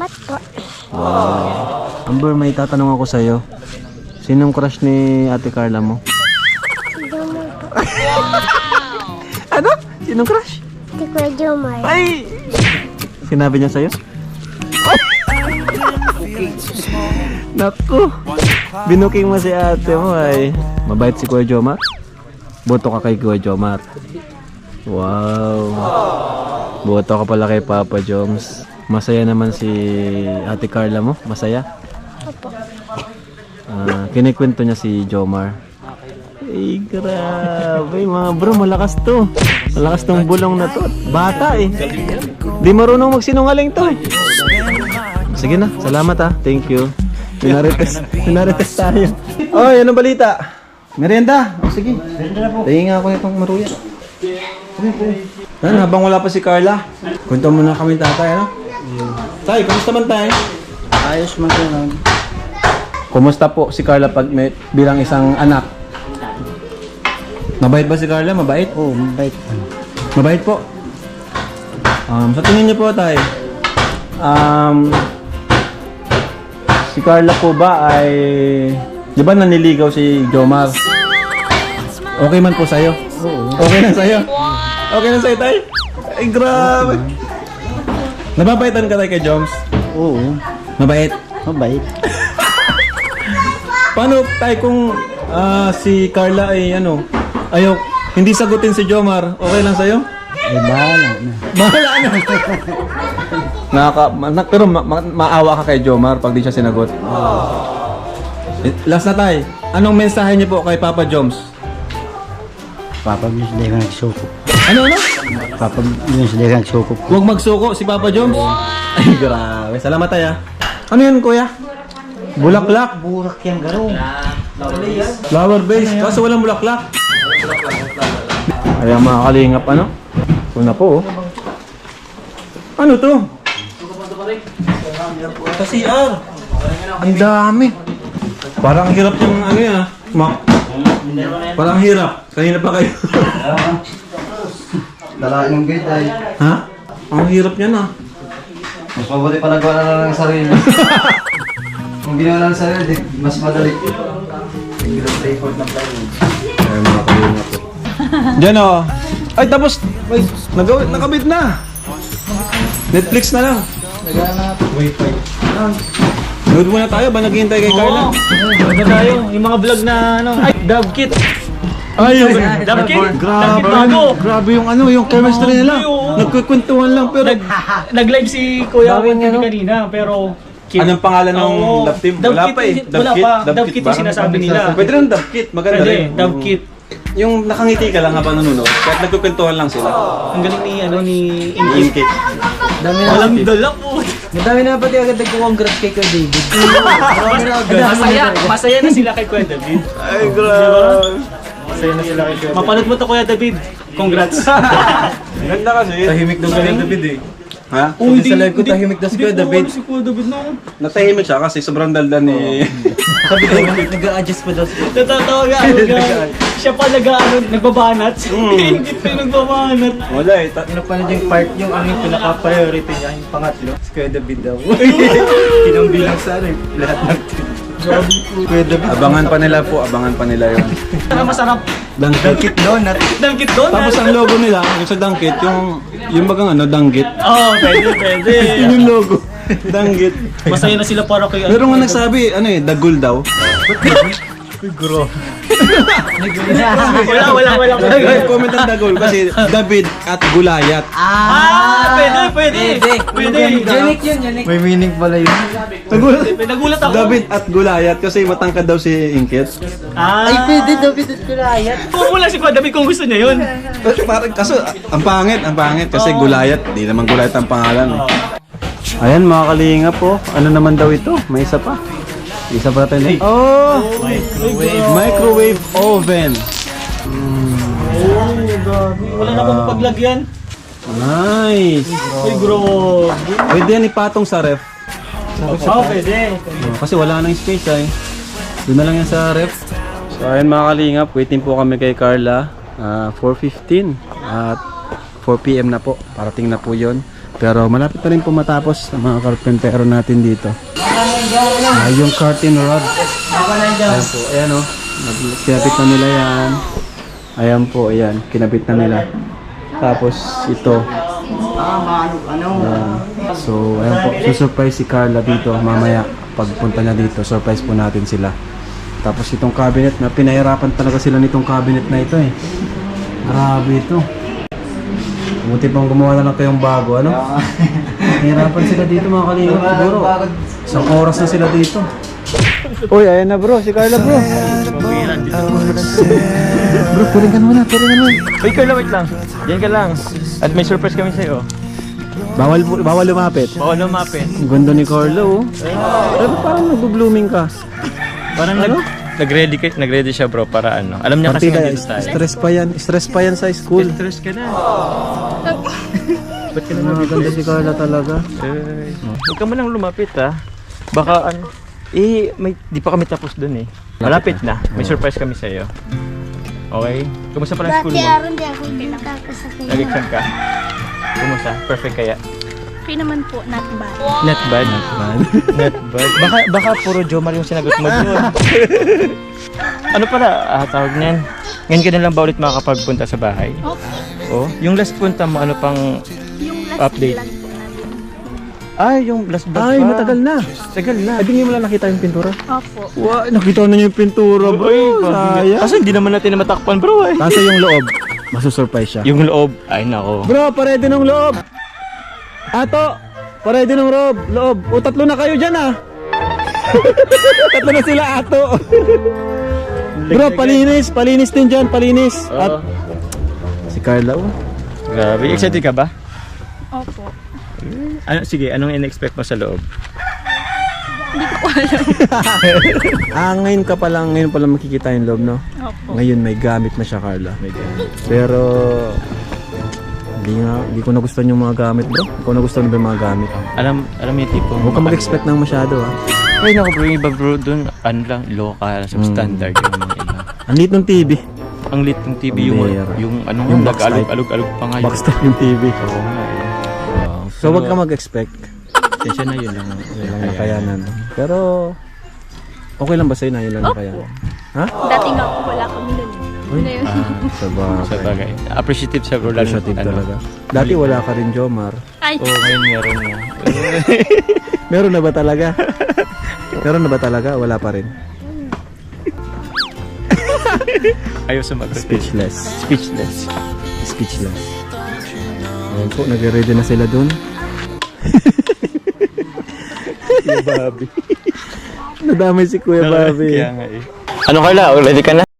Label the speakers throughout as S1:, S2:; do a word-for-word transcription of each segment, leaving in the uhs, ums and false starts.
S1: Salamat po.
S2: Wow. Amber, may tatanong ako sa'yo. Sinong crush ni Ate Carla mo?
S1: Si Jomar po.
S2: Ano? Sinong crush?
S1: Si Kuya Jomar.
S2: Ay! Sinabi niya sa'yo? Naku! Binuking mo si ate mo ay. Mabait si Kuya Jomar? Boto ka kay Kuya Jomar. Wow! Boto ka pala kay Papa Joms. Masaya naman si Ate Carla mo? Masaya?
S1: Opo.
S2: Ah, kinikwento niya si Jomar. Ay, grabe mga bro, malakas to. Malakas tong bulong na to. Bata eh. Di marunong magsinungaling to. Sige na, salamat ah. Thank you. Minarites, minarites tayo. Oy, anong balita? Merienda? O sige. Tingin nga ako itong maruya. Yan, habang wala pa si Carla, kwento muna kami tatay, ano? Tay, kamusta man tayo?
S3: Ayos man ko lang.
S2: Kumusta po si Carla pag may, bilang isang anak? Mabait ba si Carla? Mabait?
S3: Oo, oh, mabait.
S2: Mabait po. Um, sa tingin niyo po tayo, um, si Carla po ba ay, di ba naniligaw si Jomar? Okay man po sa'yo?
S3: Oo.
S2: Okay na sa'yo? Okay na sa'yo tayo? Ay, grabe. Nababaitan ka tayo kay Joms?
S3: Oo,
S2: Mabait?
S3: mabait.
S2: Paano tayo kung ah, si Carla ay ano, ayaw, hindi sagutin si Jomar, okay lang sa'yo?
S3: Ay, bahala na.
S2: Bahala na. Nakaka, ma, pero ma, ma, maawa ka kay Jomar pag di siya sinagot. Eh, Last na tayo. Anong mensahe niyo po kay Papa Joms?
S3: Papa Jones, hindi ka nagsuko.
S2: Ano ano?
S3: Papa Jones, hindi ka nagsuko.
S2: Huwag magsuko si Papa Joms. Ay, grabe. Salamat tayo. Ano yan, kuya? Bulaklak.
S3: Burak yan, garo.
S2: Flower base. Kaso walang bulaklak. Ayan mga kalingap, ano? Ito na po, oh. Ano to? Sa C R. Ang dami. Parang hirap yung ano yan, ah. Mak. Parang hirap. Kanina pa kayo.
S3: Dalain ng gate ay.
S2: Ha? Ang hirap yan, ah.
S3: Mas mabuti pa nagawa na lang ng sarili. Kung ginawa na ng sarili, mas madali. Tingnan sa effort ng plywood.
S2: Ayan mga kalingap po. Diyan, oh. Ay, tapos. Ay, nagawa, nakabit na. Netflix na lang.
S3: Nagana wifi.
S2: Nood muna tayo ba naghihintay kay Carla?
S4: Maganda tayo. Yung mga vlog na ano. Ay, Dove Kit.
S2: Ay, yung
S4: Dove Kit? Dove Kit
S2: grabe.
S4: bago.
S2: Grabe yung ano, yung chemistry nila.
S4: oo.
S2: Nagkukwentuhan lang pero
S4: Nag, nag-live si Kuya Juan kanina, pero... Kit.
S2: anong pangalan ng
S4: Oo.
S2: love team?
S4: Dove
S2: Wala
S4: Kit,
S2: pa eh.
S4: Wala pa. Dove Kit yung sinasabi nila.
S2: Pwede rin Dove Kit, maganda
S4: Pwede,
S2: rin.
S4: Dove Kit.
S2: Yung nakangiti ka lang habang nanonood, kahit nagkukwentuhan lang sila.
S4: Ang galing ni, ano, ni
S2: Yung
S4: Inkit.
S2: Kit.
S3: Dami na.
S4: Walang dala po.
S3: Madami na pati agad nagko-congrats kay Kuya David.
S4: Masaya, masaya na sila kay Kuya David.
S2: Ay, grabe.
S4: Masaya na sila kay Kuya David. Mapanood mo to Kuya David. Congrats.
S2: Ganda kasi.
S3: Tahimik daw Kuya David eh.
S2: Ha?
S3: Hindi sa live ko tahimik daw si Kuya David.
S4: Si Kuya David na.
S2: Natahimik siya kasi sobrang daldan ni...
S3: Sabi ko, nag-a-adjust pa daw si
S4: Natatawa ka. Siya pa nag-ano, nagbabanat. Hindi pa yung nagbabanat.
S2: Wala eh. Ta-
S3: Pinapanood yung part yung ang pinaka-priority niya, yung pangatlo. Si Kuya David daw. Pinambilang sa ano, lahat ng team. Kuya David.
S2: abangan pa nila po, abangan pa nila yun.
S4: Ano masarap?
S2: Dangkit.
S3: Donut.
S4: Dangkit doon.
S2: Tapos ang logo nila, yung sa Dangkit, yung yung bagang ano, Danggit.
S4: Oo, oh, pwede, pwede.
S2: Yun yung logo. Danggit.
S4: Masaya na sila para kay...
S2: Meron nga nagsabi, ano eh, Dagul daw.
S4: Wala, wala, wala.
S2: Ay, comment ang Dagul kasi David at Gulayat.
S4: Ah, pwede, pwede. Pwede.
S3: Unique yun, unique. May meaning pala yun.
S2: Nagulat,
S4: Nagulat ako.
S2: David at Gulayat kasi matangkad daw si Inkit.
S4: Ah.
S3: Ay, pwede David at Kulayat.
S4: Pumula si Kuya David kung gusto niya yun.
S2: Kasi parang, kaso, ang pangit, ang pangit kasi Gulayat, di naman Gulayat ang pangalan. Eh. Ayan mga kalinga po, ano naman daw ito? May isa pa. Isa pa natin. Oh!
S4: Microwave.
S2: Microwave oven.
S4: Wala na pang paglagyan.
S2: Nice.
S4: Uy, bro.
S2: Pwede yan ipatong sa ref.
S4: Oo, pwede.
S2: Oh, kasi wala nang space ay. Doon na lang yan sa ref. So ayun mga kalingap, waiting po kami kay Carla. Uh, four fifteen at four p m na po. Parating na po yon. Pero malapit na rin po matapos ang mga karpentero natin dito. Ah, yung curtain rod. Ayan po, ayan o. Kinabit na nila yan. Ayan po, ayan. Kinabit na nila. Tapos ito. Ayan. So, ayan po. Susurprise si Carla dito mamaya. Pagpunta niya dito, surprise po natin sila. Tapos itong cabinet na pinahirapan talaga sila nitong cabinet na ito eh. Grabe ito. Buti pang gumawa na lang kayong bago, ano? Nahirapan sila dito mga kalingap siguro. Isang oras na sila dito. Uy, ayan na bro, si Carla bro. Bro, turingan mo na, turingan mo.
S5: Uy, Carla, wait lang. Diyan ka lang. At may surprise kami sa'yo.
S2: Bawal, bawal lumapit.
S5: Bawal lumapit.
S2: Ang ganda ni Carla oh. Pero parang nag-blooming ka.
S5: Parang
S2: Ano?
S5: nag, nag-ready, ka- nag-ready siya bro para ano. Alam niya kasi
S2: Partida,
S5: nandito tayo.
S2: stress pa yan. Stress pa yan sa school.
S5: Stress ka na. Ba't ka na
S2: Ang ganda si Carla talaga.
S5: Ay, huwag ka mo lang lumapit ha. Baka ano. Eh, may, di pa kami tapos dun eh. Malapit na. May surprise kami sa'yo. Okay? Kumusta pa lang school
S1: Dati
S5: mo?
S1: aron di ako tapos sa kanya.
S5: Nag-exam ka? Kumusta? Perfect kaya?
S6: Okay naman po, not bad.
S5: Not bad. Not bad. Not bad. Baka, baka puro Jomar yung sinagot mo doon. Ano pala, ah, tawag niyan? Ngayon ka na lang ba ulit makakapagpunta sa bahay?
S6: Okay.
S5: Oh, yung last punta mo, ano pang
S6: Yung last
S5: update?
S6: vlog po natin.
S5: Ay, yung last vlog
S2: Ay,
S5: pa.
S2: matagal na.
S5: Tagal na.
S2: Ay, di mo lang nakita yung pintura.
S6: Opo.
S2: Wow, nakita na niyo yung pintura bro. Sayang.
S5: Kasi hindi naman natin na matakpan bro eh.
S2: Kaso yung loob, masusurprise siya.
S5: Yung loob, ay nako.
S2: Bro, parede ng loob. Ato, parede ng loob. Loob. O, tatlo na kayo dyan ah. Tatlo na sila ato. Bro, palinis. Palinis din dyan, palinis. At si Carla oh.
S5: Grabe, excited ka ba?
S6: Opo.
S5: Ano, sige, anong in-expect mo sa loob?
S6: Hindi ko po alam.
S2: Ah, ngayon ka pa lang, ngayon pa lang makikita yung loob, no?
S6: Opo.
S2: Ngayon may gamit na siya, Carla. Pero hindi nga, hindi ko nagustuhan yung mga gamit, bro. Hindi ko nagustuhan ba yung mga gamit.
S5: Alam, alam mo yung tipong...
S2: Huwag ka mag-expect ng masyado, ah.
S5: Ay nako bro, yung iba bro dun, ano lang, local, substandard yung mga iba.
S2: Ang liit ng T V.
S5: Ang lit ng T V
S2: Ang
S5: yung,
S2: bera.
S5: yung ano
S2: Yung
S5: nga,
S2: box
S5: nag-alog,
S2: type.
S5: alog, alog pa nga yun.
S2: Box type yung T V.
S5: Oo nga eh. Wow.
S2: So, huwag ka mag-expect.
S5: Pasensya na yun lang.
S2: Yun lang nakayanan. Pero, okay lang ba sa'yo na yun lang nakayanan? Ha?
S6: Dati nga po wala kami nun.
S2: Uy,
S6: Yun na yun.
S2: ah, sa
S5: Sa
S2: bagay.
S5: bagay. Appreciative sa bro. lalo-
S2: Appreciative
S5: ano.
S2: talaga. Dati wala ka rin, Jomar.
S6: Ay,
S5: Oo, ngayon meron na.
S2: Meron na ba talaga? Meron na ba talaga? Wala pa rin.
S5: Ayaw sumagot.
S2: Speechless.
S5: Speechless.
S2: Speechless. Ayan po, nag-ready na sila dun. Kuya Bobby. Nadamay si Kuya Bobby.
S5: Kaya nga eh. Ano Carla? Ready ka na?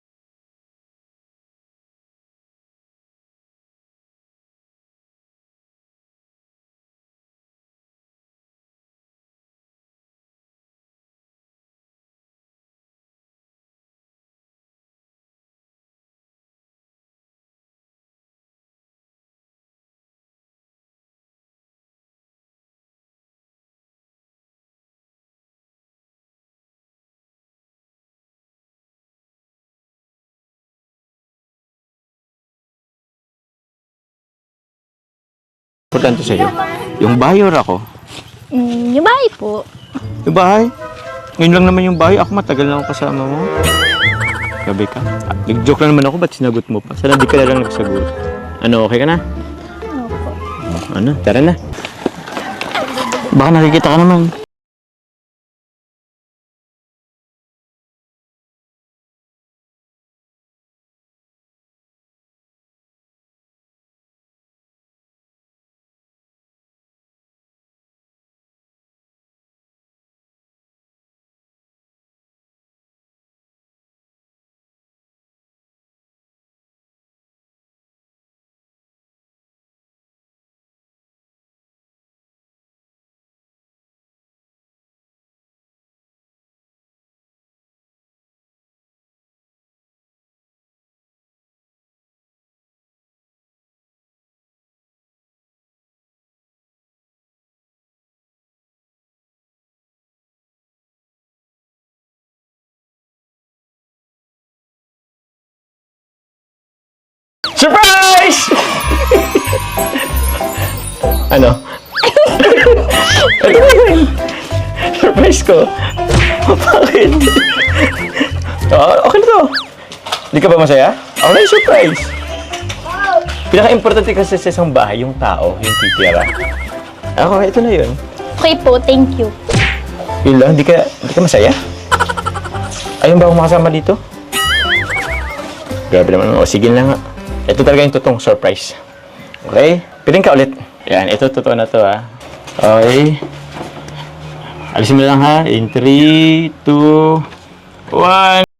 S5: Importante sa'yo. Yung bahay or ako?
S6: mm, yung bahay po.
S5: Yung bahay? Ngayon lang naman yung bahay. Ako matagal na ako kasama mo. Gabi ka. Ah, nag-joke lang naman ako. Ba't sinagot mo pa? Sana di ka na lang nagsagot. Ano, okay ka na?
S6: Opo.
S5: Ano, tara na. Baka nakikita ka naman. Surprise! Ano? Ito na yun. Surprise ko. Bakit? Oh, okay na to. Hindi ka ba masaya? Ako na yung surprise. Pinaka-importante kasi sa isang bahay, yung tao, yung titira. Ako, ito na yun.
S6: Okay po, thank you.
S5: Yun lang, hindi ka, hindi ka masaya? Ayun ba akong makasama dito? Grabe naman. O, sige na nga. Ito talaga yung totoong surprise. Okay? Piling ka ulit. Yan, ito totoo na to ha. Okay. Alisin mo lang ha. In three, two, one.